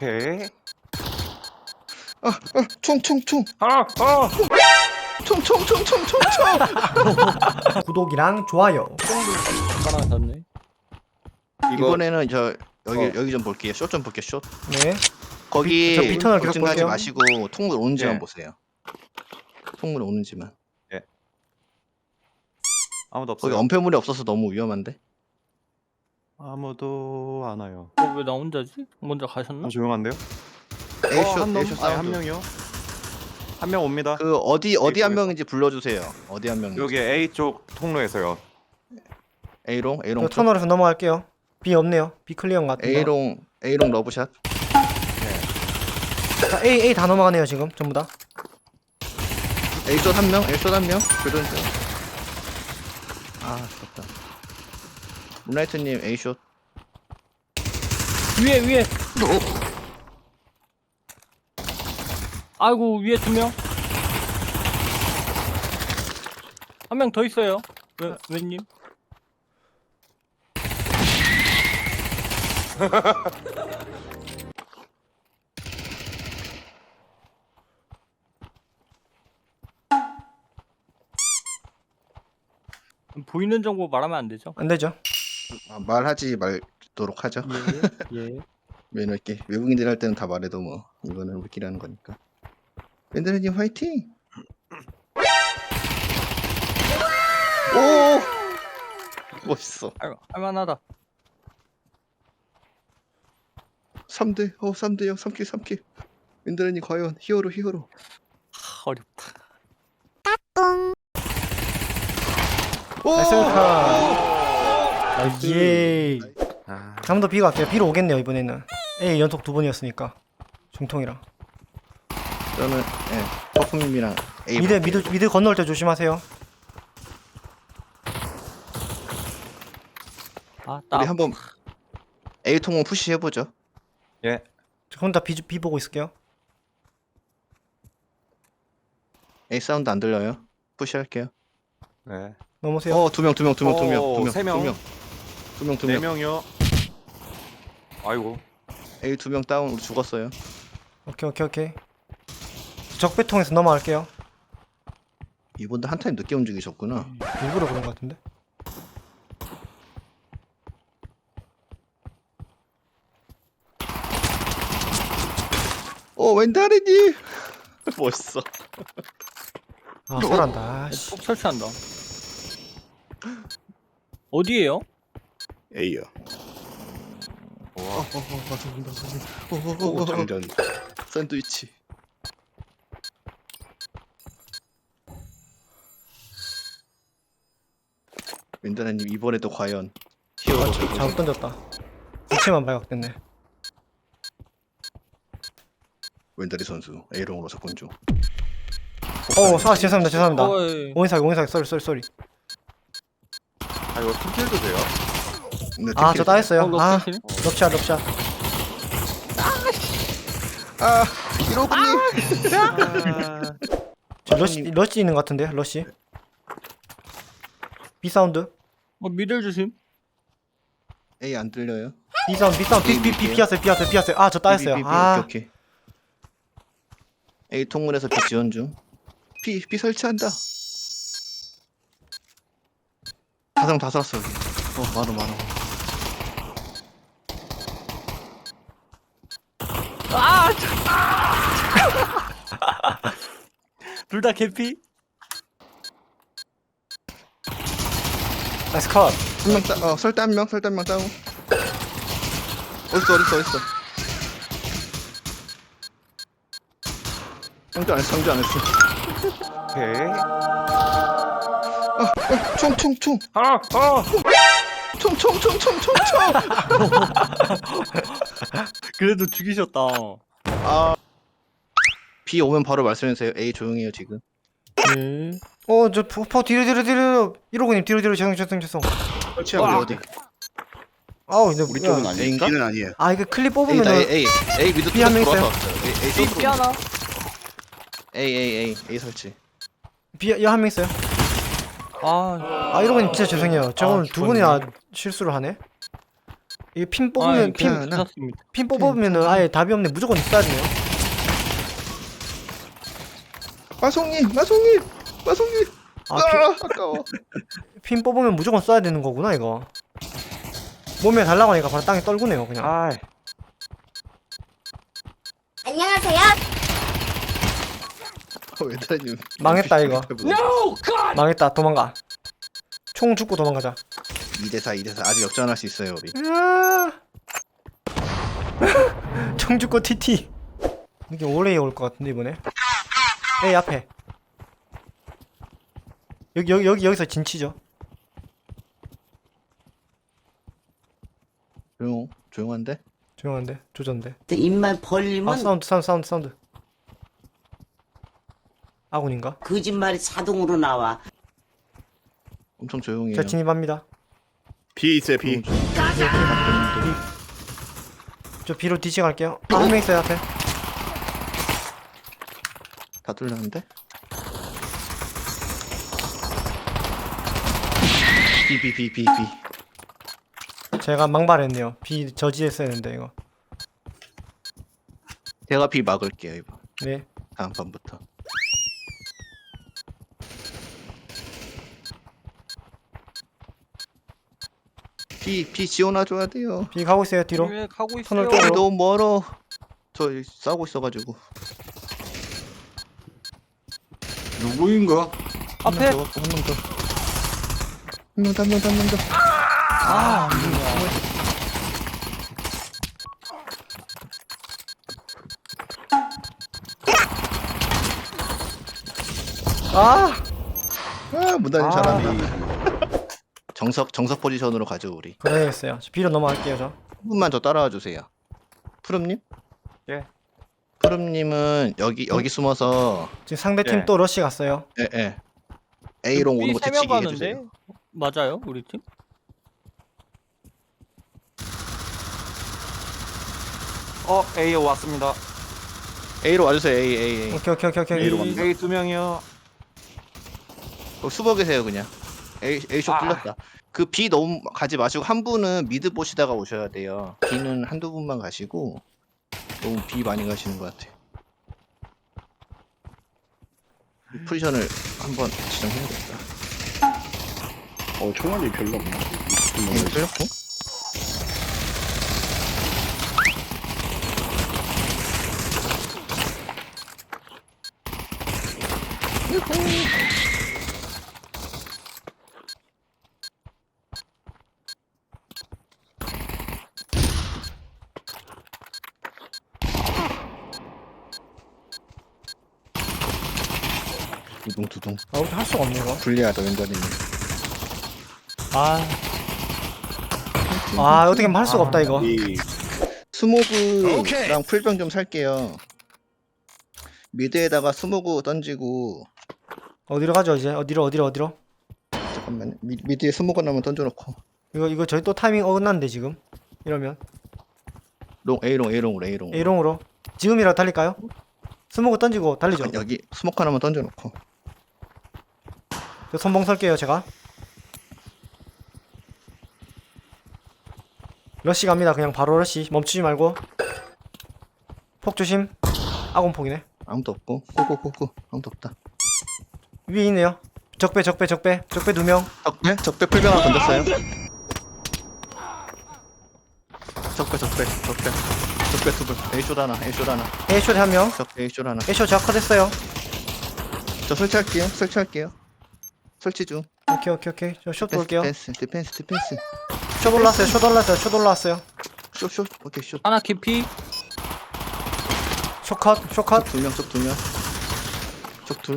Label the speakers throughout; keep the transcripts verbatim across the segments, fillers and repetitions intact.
Speaker 1: 오케이.
Speaker 2: 아, 아, 총, 총, 총.
Speaker 1: 아, 아.
Speaker 2: 총, 총, 총, 총, 총, 총.
Speaker 3: 구독이랑 좋아요.
Speaker 4: 깔아놨네.
Speaker 2: 이번에는 저 여기
Speaker 1: 어.
Speaker 2: 여기 좀 볼게요. 숏 좀 볼게요. 숏.
Speaker 3: 네.
Speaker 2: 거기
Speaker 3: 저 비터널 계속
Speaker 2: 걱정하지
Speaker 3: 볼게요.
Speaker 2: 마시고 통물 오는지만
Speaker 1: 예.
Speaker 2: 보세요. 통물 오는지만.
Speaker 1: 아무도
Speaker 2: 거기
Speaker 1: 없어요.
Speaker 2: 엄폐물이 없어서 너무 위험한데.
Speaker 1: 아무도 안 와요.
Speaker 4: 어, 왜 나 혼자지? 먼저 가셨나?
Speaker 1: 아, 조용한데요?
Speaker 2: 에이
Speaker 1: 어,
Speaker 2: 숏,
Speaker 1: 한
Speaker 2: 에이
Speaker 1: 놈,
Speaker 2: 숏
Speaker 1: 아니, 한
Speaker 2: 사운드.
Speaker 1: 명이요. 한 명 옵니다.
Speaker 2: 그 어디 어디 한
Speaker 1: 쪽에서.
Speaker 2: 명인지 불러주세요. 어디 한 명인지.
Speaker 1: 여기 A 쪽 통로에서요.
Speaker 2: A롱, A롱
Speaker 3: 저
Speaker 2: 쪽.
Speaker 3: 터널에서 넘어갈게요. B 없네요. B 클리어인 것 같은데.
Speaker 2: A롱, A롱 러브샷.
Speaker 3: 자, A A 다 넘어가네요 지금 전부 다.
Speaker 2: A 숏 한 명, A 숏 한 명. 교전 중. 아, 좋다. 문라이트님 A 숏.
Speaker 4: 위에 위에. 아이고 위에 두 명. 한 명 더 있어요. 왜 왜님? 보이는 정보 말하면 안 되죠?
Speaker 3: 안 되죠.
Speaker 2: 아, 말하지 말도록 하죠.
Speaker 4: 예. 예.
Speaker 2: 왜냐면 이렇게 외국인들 할 때는 다 말해도 뭐 이거는 우리끼리 하는 거니까. 밴드님 화이팅! 오! 멋있어.
Speaker 4: 할, 할만하다.
Speaker 2: 삼 대, 어 삼 대 영, 삼 킬, 삼 킬. 밴드님 과연 히어로 히어로.
Speaker 4: 하, 어렵다.
Speaker 2: 오!
Speaker 3: 나이스 카. 예.
Speaker 1: 아,
Speaker 3: 한 번 더 B가 갈게요. B로 오겠네요 이번에는. A 연속 두 번이었으니까. 중통이랑.
Speaker 2: 저는 예, 퍼프님이랑 A
Speaker 3: 미드
Speaker 2: 볼게요.
Speaker 3: 미드 미드 건널 때 조심하세요.
Speaker 4: 아, 나
Speaker 2: 우리 한번 A 통은 푸시 해보죠.
Speaker 1: 예.
Speaker 3: 저 혼자 B B 보고 있을게요.
Speaker 2: A 사운드 안 들려요? 푸시 할게요.
Speaker 1: 네.
Speaker 3: 넘으세요.
Speaker 2: 어, 두 명, 두 명, 두 명, 두 명,
Speaker 1: 오,
Speaker 2: 두 명,
Speaker 1: 세 명.
Speaker 2: 두 명, 두 명, 두
Speaker 1: 네
Speaker 2: 명.
Speaker 1: 명이요. 아이고.
Speaker 2: A 두 명 다운, 우리 죽었어요.
Speaker 3: 오케이 오케이 오케이. 적배통에서 넘어갈게요.
Speaker 2: 이분들 한 타임 늦게 움직이셨구나.
Speaker 3: 일부러 그런 것 같은데.
Speaker 2: 어, 웬다리님 멋있어.
Speaker 3: 아 설한다. 씨.
Speaker 4: 폭 설치한다. 어디에요?
Speaker 2: A요.
Speaker 1: 와.
Speaker 2: 오, 장전. 샌드위치. 웬다리님 이번에도 과연 히어로.
Speaker 3: 잘못 던졌다. 위치만 발각됐네.
Speaker 2: 웬다리 선수 A롱으로 접근 중.
Speaker 3: 어, 사 죄송합니다 죄송합니다.
Speaker 4: 어이.
Speaker 3: 오인사기 오인사기 쏘리 쏘리 쏘리.
Speaker 1: 아, 이거 팀킬도 돼요?
Speaker 2: 네,
Speaker 3: 아
Speaker 2: 팀킬
Speaker 3: 저 따했어요.
Speaker 4: 어,
Speaker 3: 아
Speaker 4: 럭키실?
Speaker 3: 럽샷 럽샷.
Speaker 2: 아, 이로그님.
Speaker 1: 아,
Speaker 3: 저 러시 러시 있는 것 같은데 러시. B 사운드.
Speaker 4: 어, 미들 조심.
Speaker 2: A 안 들려요?
Speaker 3: B 사운드 B 사운드 B B B 피었어요 피었어요 피었어요. 아 저 따였어요.
Speaker 2: B, B, B,
Speaker 3: 아
Speaker 2: 오케이, 오케이. A 통문에서 B 지원 중. B B 설치한다. 다성 다 살았어 여기. 어 많아 많아.
Speaker 4: 둘 다 개피?
Speaker 3: 나이스 컷.
Speaker 2: 한명 따, 어 설대 한 명, 설대 한 명 다운. 어딨어 어딨어 어딨어. 상주 안 했어 상주 안 했어.
Speaker 1: 오케이.
Speaker 2: 총 총 총.
Speaker 1: 아, 아.
Speaker 2: 총 총 총 총 총 총.
Speaker 4: 그래도 죽이셨다.
Speaker 2: 아. B 오면 바로 말씀해주세요. A 조용해요 지금.
Speaker 4: 네.
Speaker 3: 어저 포 뒤로 뒤로 뒤로. 이로그님 뒤로 뒤로 죄송 죄송 죄송.
Speaker 2: 설치하고
Speaker 4: 와.
Speaker 2: 어디?
Speaker 3: 아우 근데
Speaker 2: 우리
Speaker 3: 야,
Speaker 2: 쪽은 아니에요. A인가? B는 아니에요.
Speaker 3: 아 이거 클립
Speaker 2: A다 A
Speaker 3: 뽑으면은
Speaker 2: A A 미드
Speaker 3: B 한명
Speaker 2: 뚫어서
Speaker 3: 있어요.
Speaker 2: 들어왔어요. A A
Speaker 4: 삐,
Speaker 2: 뚫어.
Speaker 4: 삐 하나.
Speaker 2: A A A A 설치.
Speaker 3: B 한 명 있어요.
Speaker 4: 아,
Speaker 3: 아 이러고 진짜 죄송해요. 저
Speaker 4: 아,
Speaker 3: 오늘 두 분이나
Speaker 4: 죽었네.
Speaker 3: 실수를 하네. 이게 핀
Speaker 4: 아,
Speaker 3: 뽑으면 핀,
Speaker 2: 괜찮아.
Speaker 4: 괜찮습니다.
Speaker 3: 핀 뽑으면은 아예 답이 없네. 무조건 있어야 돼요.
Speaker 2: 마송님, 마송님, 마송님.
Speaker 3: 아,
Speaker 2: 아, 아까워.
Speaker 3: 핀, 핀 뽑으면 무조건 써야 되는 거구나 이거. 몸에 달라고 하니까 바로 땅에 떨구네요 그냥.
Speaker 1: 아이.
Speaker 5: 안녕하세요.
Speaker 2: 웨터님.
Speaker 3: 망했다, 이거.
Speaker 4: No God.
Speaker 3: 망했다. 도망가. 총 죽고 도망가자.
Speaker 2: 이 대 사, 이 대 사. 아직 역전할 수 있어요 우리.
Speaker 3: 으아. 총 죽고 티티. 이게 오래 올 것 같은데 이번에. 에이 앞에. 여기 여기 여기 여기서 진치죠.
Speaker 2: 조용, 조용한데?
Speaker 3: 조용한데 조전데.
Speaker 6: 입만
Speaker 3: 아
Speaker 6: 벌리면
Speaker 3: 사운드 사운드 사운드 사운드. 아군인가?
Speaker 6: 거짓말이 자동으로 나와.
Speaker 2: 엄청 조용해요.
Speaker 3: 자 진입합니다.
Speaker 7: 비 있어요 비.
Speaker 2: 너무 조용.
Speaker 3: 저 B로 뒤치 갈게요. 아, 한 명 있어요 앞에.
Speaker 2: 다 뚫렸는데? B B B B B.
Speaker 3: 제가 망발했네요. B 저지했어야 했는데 이거.
Speaker 2: 제가 B 막을게요 이번.
Speaker 3: 네.
Speaker 2: 다음 판부터. B B 지원해줘야 돼요.
Speaker 3: B 가고 있어요 뒤로.
Speaker 4: 왜 가고
Speaker 3: 터널
Speaker 4: 있어요?
Speaker 3: 쪽으로.
Speaker 2: B 너무 멀어. 저 여기 싸우고 있어가지고.
Speaker 7: 누구인가?
Speaker 4: 앞에.
Speaker 2: 한명 더, 한명 더. 한 명 더, 한 명 더, 한 명 더.
Speaker 4: 아,
Speaker 3: 아
Speaker 2: 아, 문단님
Speaker 1: 아.
Speaker 2: 잘하네. 정석 정석 포지션으로 가죠 우리.
Speaker 3: 그래야겠어요. 저 B로 넘어갈게요 저.
Speaker 2: 한 분만 더 따라와 주세요. 푸름님?
Speaker 1: 예.
Speaker 2: 푸름님은 여기 여기 숨어서
Speaker 3: 지금 상대 팀
Speaker 1: 예.
Speaker 3: 또 러시 갔어요.
Speaker 2: 예 예. A롱 오는 거
Speaker 4: 세명
Speaker 2: 대치기
Speaker 4: 가는데
Speaker 2: 해주세요.
Speaker 4: 맞아요 우리 팀?
Speaker 1: 어 A 왔습니다.
Speaker 2: A로 와주세요 A A A.
Speaker 3: 오케이 오케이 오케이 오케이.
Speaker 2: A로 갑니다.
Speaker 1: A 두 명이요.
Speaker 2: 어, 숨어 계세요 그냥. A A 숏
Speaker 1: 아.
Speaker 2: 뚫렸다. 그 B 너무 가지 마시고 한 분은 미드 보시다가 오셔야 돼요. B는 한두 분만 가시고 너무 B 많이 가시는 것 같아요. 이 포지션을 한번 지정해야겠다.
Speaker 7: 어 총알이 별로 없네.
Speaker 2: A 뚫렸고. 두둥 두둥.
Speaker 3: 아 어떻게 할 수가 없네 이거.
Speaker 2: 불리하다 왼다리님.
Speaker 4: 아,
Speaker 3: 아 어떻게 할 수가 없다 이거.
Speaker 7: 이
Speaker 2: 스모그랑 풀병 좀 살게요. 미드에다가 스모그 던지고
Speaker 3: 어디로 가죠 이제? 어디로 어디로 어디로?
Speaker 2: 잠깐만요. 미, 미드에 스모그 나면 던져놓고
Speaker 3: 이거 이거 저희 또 타이밍 어긋났는데 지금. 이러면
Speaker 2: 롱 A롱 A롱으로 A롱.
Speaker 3: A롱으로 지금이라도 달릴까요? 스모그 던지고 달리죠.
Speaker 2: 여기 스모크 하나만 던져놓고.
Speaker 3: 저 선봉 설게요 제가. 러시 갑니다. 그냥 바로 러시. 멈추지 말고. 폭 조심. 아군 폭이네.
Speaker 2: 아무도 없고 고고고고 아무도 없다.
Speaker 3: 위에 있네요. 적배 적배 적배 적배 두 명.
Speaker 2: 적배 적배 풀병 하나 던졌어요. 적배 적배 적배 적배 투불 A쇼 하나 A쇼 하나
Speaker 3: A쇼 한 명.
Speaker 2: 적배 A쇼 하나.
Speaker 3: A쇼 저컷했어요.
Speaker 2: 저 설치할게요. 설치할게요. 설치 중.
Speaker 3: 오케이 오케이 오케이. 저쇼
Speaker 2: 디펜스
Speaker 3: 볼게요.
Speaker 2: 디펜스 디펜스 디펜스.
Speaker 3: 쇼 올라왔어요. 쇼 올라왔어요. 쇼 올라왔어요.
Speaker 2: 쇼쇼 오케이 쇼.
Speaker 4: 하나 깊이.
Speaker 3: 쇼컷 쇼컷.
Speaker 2: 두 명, 쪽 두 명. 쪽 둘.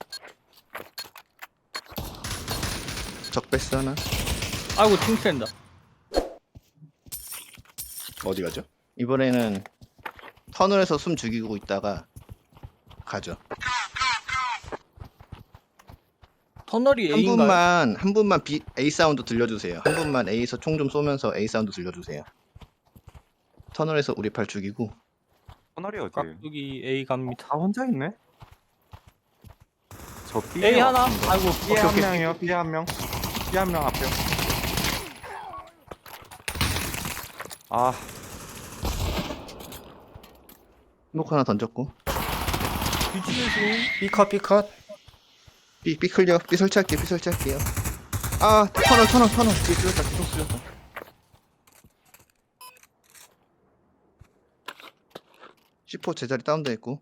Speaker 2: 적배스 하나.
Speaker 4: 아이고 팀 센다.
Speaker 7: 어디 가죠?
Speaker 2: 이번에는 터널에서 숨 죽이고 있다가 가죠.
Speaker 4: 터널이
Speaker 2: 한
Speaker 4: A인가요?
Speaker 2: 분만 한 분만 B, A 사운드 들려주세요. 한 분만 A에서 총 좀 쏘면서 A 사운드 들려주세요. 터널에서 우리 팔 죽이고.
Speaker 1: 터널이 어디?
Speaker 4: 깍두기 A 갑니다.
Speaker 1: 다 혼자 있네. 저 B
Speaker 4: A 하나. 아이고
Speaker 1: B 한 명이요. B 한 명. B 한 명 앞에. 아,
Speaker 2: 스모크 하나 던졌고.
Speaker 4: 뒤치 조심.
Speaker 3: B컷 B컷.
Speaker 2: B, B 클리어. B 설치할게요. B 설치할게요. 아, 터널, 터널, 터널. 뒤에 뚫렸다. 뒤로 뚫렸다. 씨포 제자리 다운돼 있고.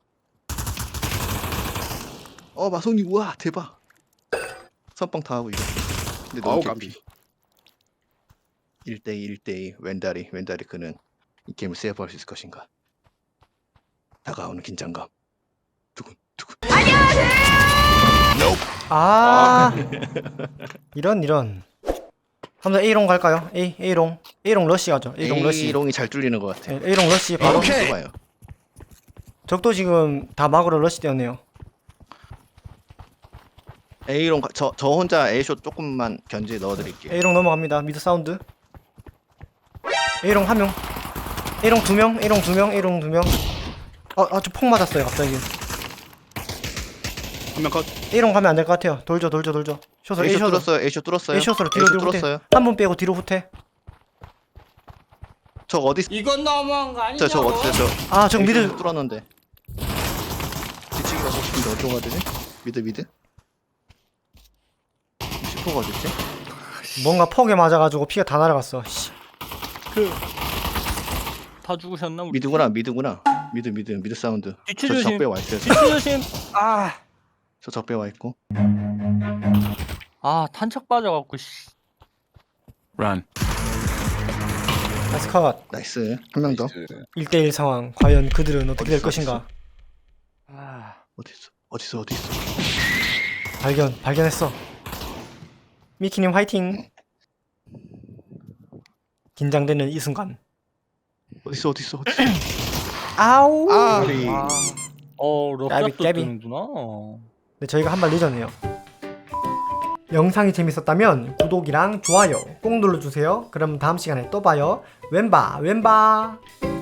Speaker 2: 어, 마송님, 우와, 대박. 선빵 다 하고 이거. 근데
Speaker 7: 아우
Speaker 2: 너무
Speaker 7: 까비.
Speaker 2: 개피. 일 대이, 일 대이. 왼다리, 왼다리 그는 이 게임을 세이브할 수 있을 것인가. 다가오는 긴장감. 두근, 두근.
Speaker 3: 아 이런 이런. 한번 A롱 갈까요? A A롱 A롱 러시 가죠. A롱 러시.
Speaker 2: A롱이 잘 뚫리는 것 같아.
Speaker 3: 네, A롱 러시 바로.
Speaker 2: 오케이. 봐요.
Speaker 3: 적도 지금 다 막으로 러시 되었네요.
Speaker 2: A롱, 가- 저, 저 혼자 A쇼 조금만 견제 넣어드릴게요.
Speaker 3: A롱 넘어갑니다. 미드 사운드. A롱 한 명. A롱 두 명. A롱 두 명. A롱 두 명. 아, 아, 저 폭 맞았어요, 갑자기.
Speaker 7: 한 명 컷.
Speaker 3: A롱 가면 안 될 것 같아요. 돌죠, 돌죠, 돌죠. 숏으로,
Speaker 2: A쇼
Speaker 3: A숏으로.
Speaker 2: 뚫었어요. A쇼 뚫었어요.
Speaker 3: A숏으로 뒤로,
Speaker 2: A쇼
Speaker 3: 뒤로 후퇴.
Speaker 2: 뚫었어요.
Speaker 3: 한 분 빼고 뒤로 후퇴.
Speaker 2: 저 어디
Speaker 6: 이건 너무한 거
Speaker 2: 저, 저
Speaker 6: 아니냐고.
Speaker 2: 어디 저
Speaker 3: 아, 저 미드.
Speaker 2: A쇼 뚫었는데. 뒤치기가 혹시 어디로 가야 되지? 미드 미드? 슈퍼가 어딨지?
Speaker 3: 뭔가 퍽에 맞아가지고 피가 다 날아갔어. 씨.
Speaker 4: 그 다 죽으셨나 우리?
Speaker 2: 미드구나 미드구나. 미드 미드 미드 사운드.
Speaker 4: 뒤치
Speaker 2: 저
Speaker 4: 조심.
Speaker 2: 적배 와 있어요.
Speaker 4: 뒤치 조심.
Speaker 1: 아,
Speaker 2: 저 적배 와 있고.
Speaker 4: 아 탄착 빠져갖고 씨.
Speaker 7: 런.
Speaker 3: 나이스 컷.
Speaker 2: 나이스. 한 명 더.
Speaker 3: 일 대일 상황. 과연 그들은 어떻게 될
Speaker 2: 어딨어,
Speaker 3: 것인가?
Speaker 1: 아,
Speaker 2: 어디 있어? 어디 있어? 어디 있어?
Speaker 3: 발견, 발견했어. 미키님 화이팅. 긴장되는 이 순간.
Speaker 2: 어디 있어? 어디 있어? 어디 있어?
Speaker 3: 아우.
Speaker 2: 아,
Speaker 1: 아,
Speaker 4: 어
Speaker 3: 까비,
Speaker 4: 럽잡도
Speaker 3: 까비.
Speaker 4: 뜨는구나.
Speaker 3: 네, 저희가 한 발 늦었네요. 영상이 재밌었다면 구독이랑 좋아요 꼭 눌러주세요. 그럼 다음 시간에 또 봐요. 왼바 왼바.